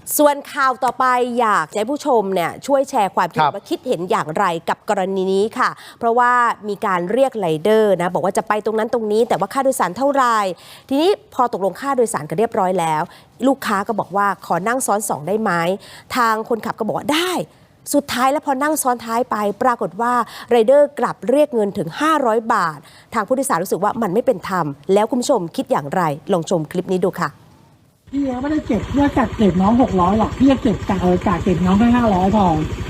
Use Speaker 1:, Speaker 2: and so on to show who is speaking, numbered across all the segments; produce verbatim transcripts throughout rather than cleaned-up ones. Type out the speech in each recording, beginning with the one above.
Speaker 1: ส่วนข่าวต่อไปอยากให้ผู้ชมเนี่ยช่วยแชร์ความคิดว่าคิดเห็นอย่างไรกับกรณีนี้ค่ะเพราะว่ามีการเรียกไรเดอร์นะบอกว่าจะไปตรงนั้นตรงนี้แต่ว่าค่าโดยสารเท่าไหร่ทีนี้พอตกลงค่าโดยสารกันเรียบร้อยแล้วลูกค้าก็บอกว่าขอนั่งซ้อนสองได้ไหมทางคนขับก็บอกว่าได้สุดท้ายแล้วพอนั่งซ้อนท้ายไปปรากฏว่าไรเดอร์กลับเรียกเงินถึงห้าร้อยบาททางผู้โดยสารรู้สึกว่ามันไม่เป็นธรรมแล้วคุณผู้ชมคิดอย่างไรลองชมคลิปนี้ดูค่ะ
Speaker 2: พี่ไม่ได้เก็บเพื่อจัดเก็บน้องหกร้อยหรอกพี่จะเก็บจากเออจากเก็บน้องแค่ห้าร้อยพอ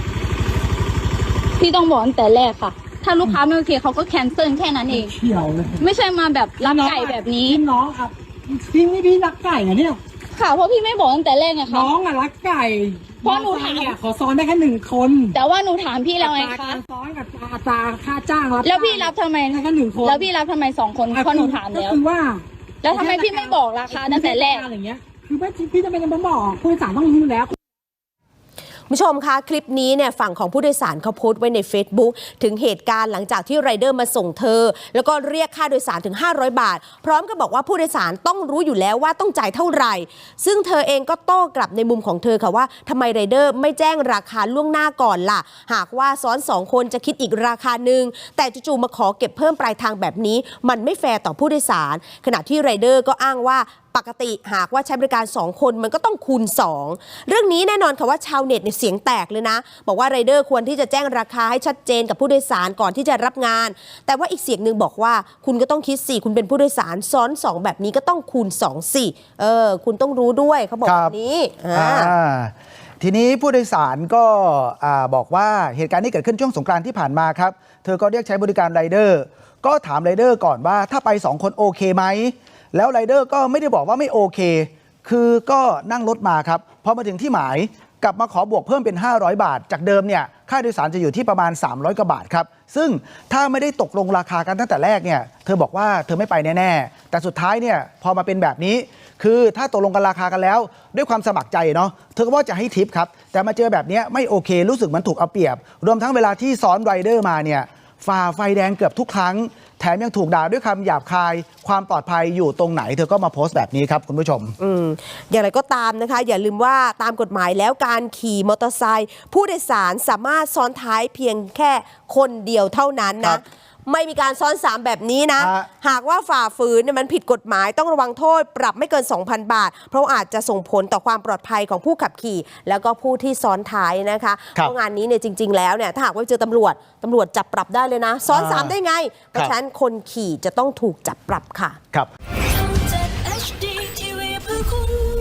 Speaker 3: พี่ต้องบอกตั้งแต่แรกค่ะถ้าลูกค้าไม่โอเคเขาก็แคนเซิลแค่นั้นเอง
Speaker 2: เขียวเลย
Speaker 3: ไม่ใช่มาแบบรักไก่แบบนี้
Speaker 2: น้องครับพี่ไม่พี่รักไก่เหรอเนี่ย
Speaker 3: ค่ะเพราะพี่ไม่บอกตั้งแต่แรกไงคะ
Speaker 2: น้องอะรักไก่
Speaker 3: เพราะหนูถาม
Speaker 2: ขอซ้อนได้แค่หนึ่งคน
Speaker 3: แต่ว่าหนูถามพี่แล้วไงคะ
Speaker 2: ซ้อนกับอัตราค่าจ้างรับ
Speaker 3: แล้วพี่รับทำไม
Speaker 2: แค่หนึ่งคน
Speaker 3: แล้วพี่รับทำไมสองคนเพราะหนูถามแล้ว
Speaker 2: คือว่า
Speaker 3: แล้วทำไมพี่ไม่บอกราคาตั้งแต่แรก
Speaker 2: อะไรเงี้ยคือไม่พี่จะเป็นต้องบอกผู้โดยสารต้องรู้แล้ว
Speaker 1: ผู้ชมคะคลิปนี้เนี่ยฝั่งของผู้โดยสารเขาโพสต์ไว้ใน Facebook ถึงเหตุการณ์หลังจากที่ไรเดอร์มาส่งเธอแล้วก็เรียกค่าโดยสารถึงห้าร้อยบาทพร้อมกับบอกว่าผู้โดยสารต้องรู้อยู่แล้วว่าต้องจ่ายเท่าไหร่ซึ่งเธอเองก็โต้กลับในมุมของเธอค่ะว่าทำไมไรเดอร์ไม่แจ้งราคาล่วงหน้าก่อนล่ะหากว่าซ้อนสองคนจะคิดอีกราคาหนึ่งแต่จู่ๆมาขอเก็บเพิ่มปลายทางแบบนี้มันไม่แฟร์ต่อผู้โดยสารขณะที่ไรเดอร์ก็อ้างว่าปกติหากว่าใช้บริการสองคนมันก็ต้องคูณสองเรื่องนี้แน่นอนค่ะว่าชาวเน็ตเนี่ยเสียงแตกเลยนะบอกว่าไรเดอร์ควรที่จะแจ้งราคาให้ชัดเจนกับผู้โดยสารก่อนที่จะรับงานแต่ว่าอีกเสียงหนึ่งบอกว่าคุณก็ต้องคิดสิคุณเป็นผู้โดยสารซ้อนสองแบบนี้ก็ต้องคูณสองสิเออคุณต้องรู้ด้วยเขาบอกแบบนี้
Speaker 4: ทีนี้ผู้โดยสารก็บอกว่าเหตุการณ์นี้เกิดขึ้นช่วงสงกรานต์ที่ผ่านมาครับเธอก็เรียกใช้บริการไรเดอร์ก็ถามไรเดอร์ก่อนว่าถ้าไปสองคนโอเคไหมแล้วไรเดอร์ก็ไม่ได้บอกว่าไม่โอเคคือก็นั่งรถมาครับพอมาถึงที่หมายกลับมาขอบวกเพิ่มเป็นห้าร้อยบาทจากเดิมเนี่ยค่าโดยสารจะอยู่ที่ประมาณสามร้อยกว่าบาทครับซึ่งถ้าไม่ได้ตกลงราคากันตั้งแต่แรกเนี่ยเธอบอกว่าเธอไม่ไปแน่ๆแต่สุดท้ายเนี่ยพอมาเป็นแบบนี้คือถ้าตกลงกันราคากันแล้วด้วยความสมัครใจเนาะเธอก็ว่าจะให้ทิปครับแต่มาเจอแบบนี้ไม่โอเครู้สึกมันถูกเอาเปรียบรวมทั้งเวลาที่ซ้อนไรเดอร์มาเนี่ยฝ่าไฟแดงเกือบทุกครั้งแถมยังถูกด่าด้วยคำหยาบคายความปลอดภัยอยู่ตรงไหนเธอก็มาโพสต์แบบนี้ครับคุณผู้ชม
Speaker 1: อืมอย่างไรก็ตามนะคะอย่าลืมว่าตามกฎหมายแล้วการขี่มอเตอร์ไซค์ผู้โดยสารสามารถซ้อนท้ายเพียงแค่คนเดียวเท่านั้นนะไม่มีการซ้อนสามแบบนี้นะหากว่าฝ่าฝืนเนี่ยมันผิดกฎหมายต้องระวังโทษปรับไม่เกิน สองพัน บาทเพราะอาจจะส่งผลต่อความปลอดภัยของผู้ขับขี่แล้วก็ผู้ที่ซ้อนท้ายนะคะเพราะงานนี้เนี่ยจริงๆแล้วเนี่ยถ้าหากว่าเจอตำรวจตำรวจจับปรับได้เลยนะซ้อนสามได้ไงเพราะฉะนั้นคนขี่จะต้องถูกจับปรับค่ะ
Speaker 4: ครับ